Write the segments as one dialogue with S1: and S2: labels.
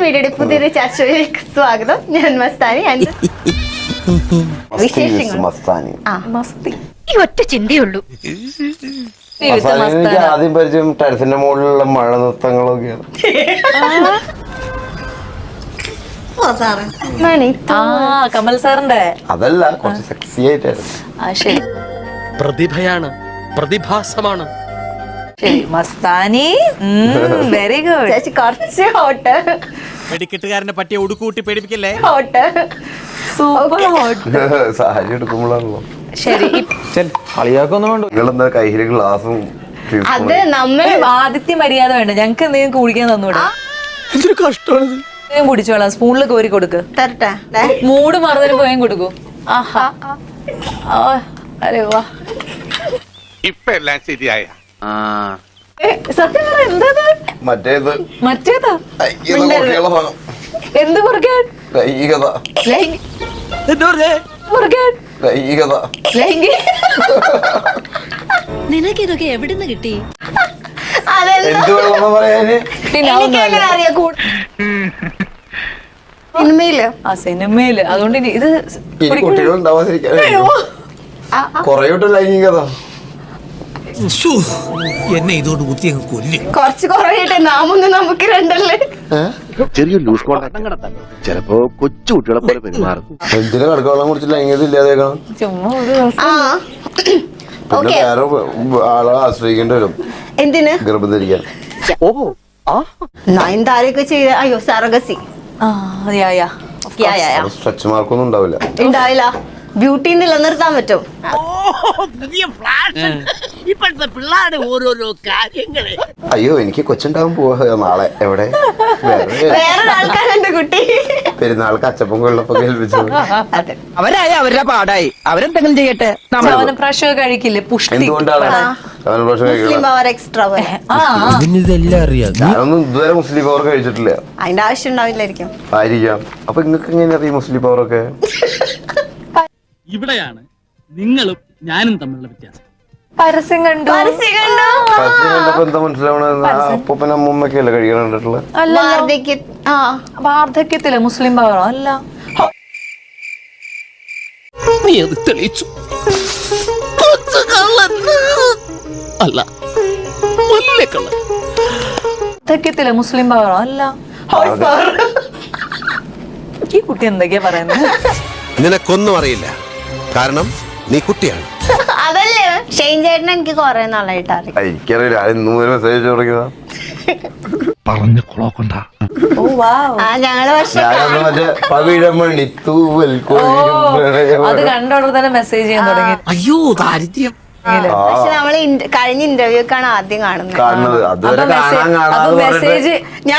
S1: വീഡിയോയുടെ പുതിയൊരു ചർച്ചയിലേക്ക് സ്വാഗതം. ഞാൻ മസ്താനി.
S2: മസ്താനി
S3: മസ്തി
S4: ഈ ഒറ്റ ചിന്തയുള്ളൂ.
S2: എനിക്ക് ആദ്യം പരിചയം ടെറസിന്റെ മുകളിലുള്ള മഴ നൃത്തങ്ങളൊക്കെയാണ്.
S3: കമൽ സാറിന്റെ
S2: അതല്ല, കുറച്ച് സെക്സി ആയിട്ടായിരുന്നു.
S3: ശരി
S5: പ്രതിഭയാണ്, പ്രതിഭാസമാണ്.
S3: ശരി മസ്താനി, വെരി ഗുഡ്.
S1: ചേച്ചി കുറച്ച് ഹോട്ട്
S5: വെടിക്കെട്ടുകാരനെ പറ്റിയ ഉടുക്കൂട്ടി പേടിപ്പിക്കല്ലേ.
S1: Hot
S3: super hot.
S2: സാരി എടുക്കുമ്പോഴാണല്ലോ.
S3: ശരി
S2: കളിയാക്കൊന്നും വേണ്ട. നിങ്ങളെന്താ കയ്യില് ഗ്ലാസും
S1: അത് നമ്മൾ
S3: ആദിത്യ മര്യാദ വേണ്ട. ഞങ്ങക്ക് എന്തെങ്കിലും കുടിക്കാൻ തന്നൂടെ?
S5: എന്തൊരു കഷ്ടമാണിത്.
S3: കുടിച്ചോളാം. സ്പൂണിൽ കോരി കൊടുക്ക്.
S1: തരട്ടെ.
S3: മൂട് മറന്നതിന് പോയും കൊടുക്കൂ. ആഹാ, അരെ വാ.
S6: ഇപ്പൊ എല്ലാം ശരിയായ
S3: സത്യം പറ, എന്താ
S2: മറ്റേത്
S3: മറ്റേതാ?
S2: കയ്യിന്ന് കുട്ടികളെ ഭാഗം.
S3: എന്ത് മുറുകാൻ?
S2: ലൈംഗികത.
S3: മുറുകാൻ
S2: ലൈംഗികത.
S4: നിനക്കിതൊക്കെ എവിടുന്ന് കിട്ടി?
S2: എന്ത് വേണമെന്ന് പറയാന്?
S1: എനിക്കെങ്ങനെ അറിയാം സിനിമയില്
S3: ആ സിനിമയില്. അതുകൊണ്ട് ഇനി ഇത്
S2: ഇനി കുട്ടികൾ ഉണ്ടാവാതിരിക്കാൻ കൊറേ ലൈംഗികത.
S5: എന്നെ ഇതോട് കുത്തി അങ്ങ് കൊല്ലും.
S1: കുറച്ച് കുറവായിട്ട് നാമൊന്നും നമുക്ക് രണ്ടല്ലേ.
S7: ചെറിയൊരു ലൂസ് കോണ്ടാക്ട് ചിലപ്പോ കൊച്ചു കുട്ടികളെ പോലെ പെരുമാറും.
S2: എന്തിനു കടക്കവെള്ളം കുറിച്ച് ലൈംഗികത ഇല്ലാതേക്കണം?
S3: ചുമ്മാ ഒരു
S2: പിന്നെ വേറെ ആളെ ആശ്രയിക്കേണ്ടി വരും.
S1: എന്തിന്
S2: ഗർഭം ധരിക്കാൻ.
S1: നയൻതാരയൊക്കെ ചെയ്ത അയ്യോ സർഗസി
S2: സ്ട്രെച്ച് മാർക്കൊന്നും ഉണ്ടാവില്ല.
S1: ഉണ്ടാവില്ല. ബ്യൂട്ടി നിലനിർത്താൻ പറ്റും.
S4: ഇപ്പോഴത്തെ പിള്ളേരുടെ ഓരോരോ കാര്യങ്ങളെ.
S2: അയ്യോ, എനിക്ക് കൊച്ചുണ്ടാകാൻ പോവാ നാളെ. എവിടെ?
S1: വേറെ ആൾക്കാരെന്റെ കുട്ടി
S2: പെരുന്നാൾക്ക് അച്ചപ്പം കൊള്ളപ്പൊക്കെ ഏൽപ്പിച്ചത്.
S1: അതെ.
S8: അവരായ അവരുടെ പാടായി. അവരെന്തെങ്കിലും ചെയ്യട്ടെ.
S3: ചവനപ്രാശം കഴിക്കില്ലേ? പുഷ്ടി.
S2: എന്തുകൊണ്ടാണ്
S1: മുസ്ലിം പവർ എക്സ്ട്രാ
S5: ഇതെല്ലാം അറിയാം.
S2: ഞാനൊന്നും ഇതുവരെ മുസ്ലിം പവർ കഴിച്ചിട്ടില്ല.
S1: അതിന്റെ ആവശ്യം ഉണ്ടാവില്ലായിരിക്കും.
S2: ആയിരിക്കാം. അപ്പൊ നിങ്ങൾക്ക് എങ്ങനെ അറിയാം മുസ്ലിം പവറൊക്കെ?
S9: ഇവിടെയാണ് നിങ്ങളും ഞാനും തമ്മിലുള്ള വ്യത്യാസം.
S3: പരസ്യം കണ്ടു.
S1: പരസ്യം കണ്ടു.
S2: പരസ്യം കണ്ടപ്പോ എന്താ മനസ്സിലാവണ? അപ്പൂപ്പനും അമ്മൂമ്മയൊക്കെയല്ലേ കഴിക്കാൻ കണ്ടിട്ടുള്ളത്?
S3: വാർദ്ധക്യത്തില് മുസ്ലിം പവറോ? അല്ല,
S5: നീ അത് തെളിയിച്ചു. അല്ല,
S3: വാർദ്ധക്യത്തില് മുസ്ലിം പവറോ? അല്ല, ഈ കുട്ടി എന്തൊക്കെയാ പറയുന്നത്?
S7: നിനക്കൊന്നും അറിയില്ല, കാരണം നീ കുട്ടിയാണ്.
S1: അതല്ലേ ഷെയ്ൻ ചേട്ടൻ എനിക്ക് കൊറേ നാളായിട്ട് അറിയാം.
S2: എനിക്കറിയില്ല. ഇന്നും ഒരു മെസ്സേജ് തുടങ്ങിയതാ.
S7: പറഞ്ഞു കൊളോക്കണ്ട.
S3: ഓ വാവ്.
S1: ഞങ്ങള്
S2: ഞാനൊന്ന് മറ്റേ പവിഴമണി തൂവൽ
S3: അത് കണ്ടോടെ തന്നെ മെസ്സേജ് ചെയ്യാൻ തുടങ്ങി.
S4: അയ്യോ ദാരിദ്ര്യം.
S1: പക്ഷെ നമ്മള് കഴിഞ്ഞ ഇന്റർവ്യൂ ഒക്കെയാണ് ആദ്യം
S2: കാണുന്നത്. അതുവരെ കാണാതെ
S3: മെസ്സേജ്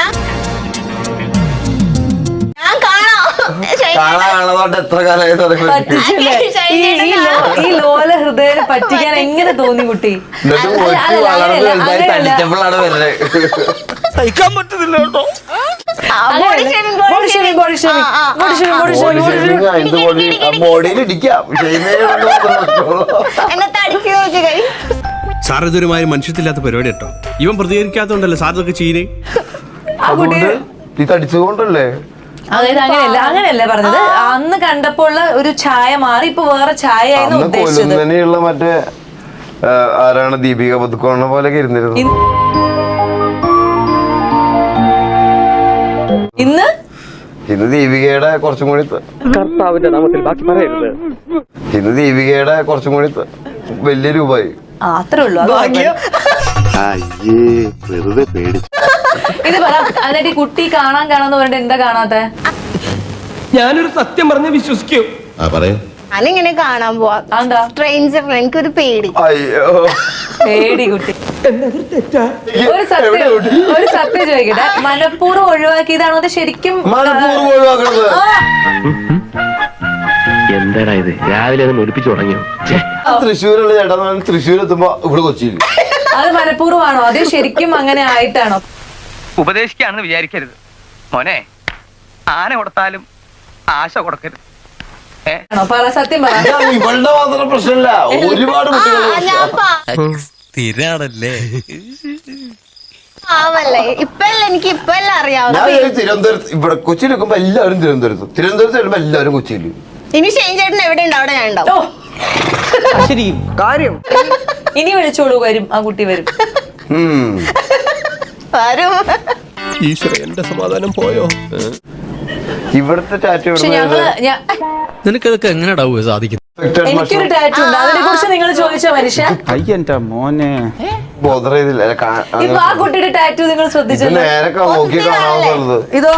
S2: കാണാതെ എത്ര കാലമായി തുടങ്ങി.
S3: പറ്റിച്ചില്ലേ? ഈ ലോല ഹൃദയം പറ്റിക്കാൻ എങ്ങനെ തോന്നി കുട്ടി?
S2: തടിച്ചപ്പോഴാണ് വരുന്നത്.
S5: സഹിക്കാൻ പറ്റുന്നില്ല കേട്ടോ.
S2: ബോഡിയിൽ ഇടിക്കാം.
S5: സാർ ഇതൊരുമാതിരി മനുഷ്യത്തില്ലാത്ത പരിപാടി കേട്ടോ. ഇവൻ പ്രതികരിക്കാത്തോണ്ടല്ലേ സാർ ഇതൊക്കെ ചെയ്യേ.
S2: അതുകൊണ്ട് ഈ തടിച്ചുകൊണ്ടല്ലേ?
S3: അതായത് അങ്ങനെയല്ല പറഞ്ഞത്. അന്ന് കണ്ടപ്പോൾ ഒരു ഛായ മാറി, ഇപ്പൊ വേറെ ഛായ ഉദ്ദേശിച്ചത്.
S2: തന്നെയുള്ള മറ്റേ ആരാണ് ദീപിക പതുക്കോണ പോലെയൊക്കെ ഇരുന്നിരുന്നു. ഇന്ന് ദീപികയുടെ കുറച്ചും കൂടി
S8: കർത്താവിന്റെ നാമത്തിൽ ബാക്കി പറയരുത്.
S2: ഇന്ന് ദീപികയുടെ കുറച്ചും കൂടി വലിയ രൂപമായി.
S3: അത്രേ ഉള്ളൂ.
S7: വെറുതെ പേടിച്ചു.
S3: ഇത് പറ, എന്നിട്ട് ഈ കുട്ടി കാണാന്ന് പറഞ്ഞിട്ട് എന്താ കാണാത്ത?
S8: ഞാനൊരു സത്യം പറഞ്ഞ് വിശ്വസിക്കൂ.
S1: ഞാനിങ്ങനെ കാണാൻ പോവാ. സ്ട്രേഞ്ചർ. എനിക്കൊരു പേടി.
S2: അയ്യോ,
S3: പേടി കുട്ടി. ഒരു സത്യം ചോദിക്കട്ടെ, മനഃപൂർവ്വം ഒഴിവാക്കിയതാണോ അത് ശരിക്കും?
S7: എന്താടാ ഇത്, രാവിലെ അത് ഒലിപ്പിച്ചു തുടങ്ങിയോ?
S2: തൃശ്ശൂരുള്ള ചേട്ടാ, തൃശ്ശൂർ എത്തുമ്പോ ഇവിടെ കൊച്ചിയിൽ.
S3: അത് മനഃപൂർവ്വമാണോ അതോ ശരിക്കും അങ്ങനെ ആയിട്ടാണോ?
S8: ഉപദേശിക്കാണെന്ന് വിചാരിക്കരുത് മോനെ. ആന കൊടുത്താലും ആശ കൊടുക്കരുത്.
S3: പറ, സത്യം പറ.
S2: ഇവളുടെ മാത്രം പ്രശ്നമില്ല, ഒരുപാട് കുട്ടികൾ
S5: സ്ഥിരാണല്ലേ.
S1: ആവല്ലേ ഇപ്പല്ല എനിക്ക് ഇപ്പല്ല അറിയാവുന്ന
S2: ഞാൻ തിരുവനന്തപുരത്ത് ഇവിടെ കൊച്ചിയിൽ നിൽക്കുമ്പോ എല്ലാവരും തിരുവനന്തപുരത്ത് വരുമ്പോ എല്ലാവരും കൊച്ചിയിൽ.
S1: ഇനി ഷെയിൻ ചേട്ടൻ എവിടെ ഉണ്ട് അവിടെ ഞാൻ ഉണ്ടാവും.
S8: ശരി കാര്യം
S3: ഇനി വിളിച്ചോളൂ, വരും, ആ കുട്ടി വരും.
S1: വരും.
S5: ഈശ്വര എന്റെ സമാധാനം പോയോ?
S2: ഇവിടുത്തെ ടാറ്റു
S3: പക്ഷെ
S5: നിനക്കതൊക്കെ എങ്ങനെയാ സാധിക്കുന്നത്?
S3: എനിക്കൊരു ടാറ്റു ഉണ്ട്, അതിനെ കുറിച്ച് നിങ്ങൾ ചോദിച്ചോ മനുഷ്യ.
S10: അയ്യന്റെ മോനെ
S2: ബോധർ ചെയ്തില്ല.
S3: ഇപ്പൊ ആ കുട്ടിയുടെ ടാറ്റു നിങ്ങൾ ശ്രദ്ധിച്ചോ?
S2: നേരെ നോക്കി കാണാവുന്നത്.
S3: ഇതോ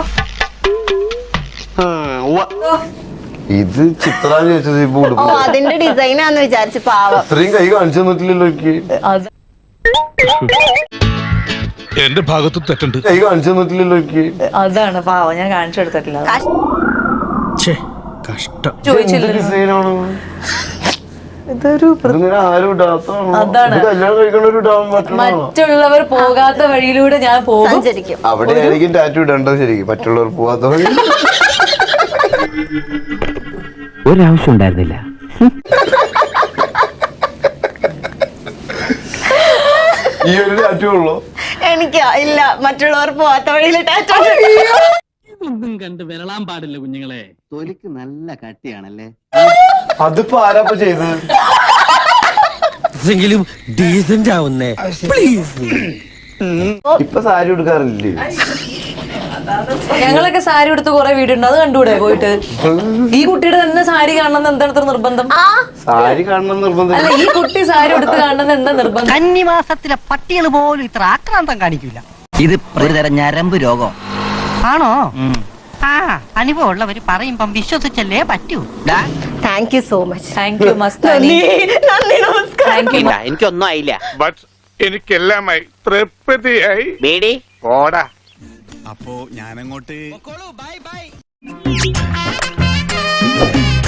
S2: ഇത് ചിത്രാന്ന് ചോദിച്ചത് ഇപ്പൊ
S1: ഓ
S2: കൊടുക്കും.
S1: അതിന്റെ ഡിസൈനാന്ന് വിചാരിച്ചു. പാവം.
S2: ഇത്രയും കൈ കാണിച്ചു തന്നിട്ടില്ലല്ലോ എനിക്ക്.
S3: അത്
S6: എന്റെ ഭാഗത്ത് തെറ്റുണ്ട്.
S2: കൈ കാണിച്ചു തന്നിട്ടില്ലല്ലോ എനിക്ക്.
S3: അതാണ് പാവം, ഞാൻ കാണിച്ചു കൊടുത്തിട്ടില്ല.
S5: കഷ്ടം.
S3: ചോദിച്ചില്ലല്ലോ.
S2: ഡിസൈനാണ്
S3: ഇതൊരു
S2: ഇതിങ്ങനെ ആരും ഇടാത്തതാണോ?
S3: അതാണ്.
S2: ഇത് കല്യാണം കഴിക്കണവര് ഇടാൻ പറ്റണതാണോ?
S3: മറ്റുള്ളവർ പോകാത്ത വഴിയിലൂടെ ഞാൻ പോകും.
S1: സഞ്ചരിക്കും.
S2: അവിടെ ആയിരിക്കും ടാറ്റു ഇടേണ്ടത്. ശരിക്കും മറ്റുള്ളവർ പോവാത്ത വഴി.
S8: ഒരാവശ്യം ഉണ്ടായിരുന്നില്ല.
S2: ഈ ഒരു ടാറ്റു ഉള്ളോ?
S1: എനിക്കാ ഇല്ല, മറ്റുള്ളവർ പോവാത്ത വഴിയിൽ ടാറ്റു.
S9: ഒന്നും കണ്ട് വിരളാൻ പാടില്ല കുഞ്ഞുങ്ങളെ.
S10: തൊലിക്ക് നല്ല കട്ടിയാണല്ലേ.
S2: അതിപ്പോ ആരാപ്പ ചെയ്തത്?
S8: ഡീസന്റ് ആവുന്നേ
S2: ഇപ്പൊ സാരി എടുക്കാറില്ലേ?
S3: ഞങ്ങളൊക്കെ സാരി എടുത്ത് കുറെ വീടുണ്ട്, അത് കണ്ടുകൂടെ പോയിട്ട്? ഈ കുട്ടിയുടെ തന്നെ സാരി കാണണമെന്ന് എന്താണ് ഇത്ര നിർബന്ധം?
S2: സാരി കാണണം നിർബന്ധം.
S3: അല്ല, ഈ കുട്ടി സാരി എടുത്ത് കാണണമെന്ന് എന്താ നിർബന്ധം?
S8: കന്നിമാസത്തിലെ പട്ടികൾ പോലും ഇത്ര ആക്രാന്തം കാണിക്കില്ല.
S10: ഇത് ഒരു തരം ഞരമ്പ് രോഗം
S8: ആണോ? അനുഭവം ഉള്ളവര് പറയുമ്പം വിശ്വസിച്ചല്ലേ പറ്റൂ.
S1: Thank you so much.
S3: Thank you Mastani.
S1: നന്ദി, നമസ്കാരം.
S3: Thank you.
S10: എനിക്കൊന്നും ആയില്ല.
S6: ബട്ട് എനിക്കെല്ലാമായി തൃപ്തിയായി.
S10: ബേഡി
S6: ഓടാ.
S5: അപ്പോ ഞാനങ്ങോട്ട്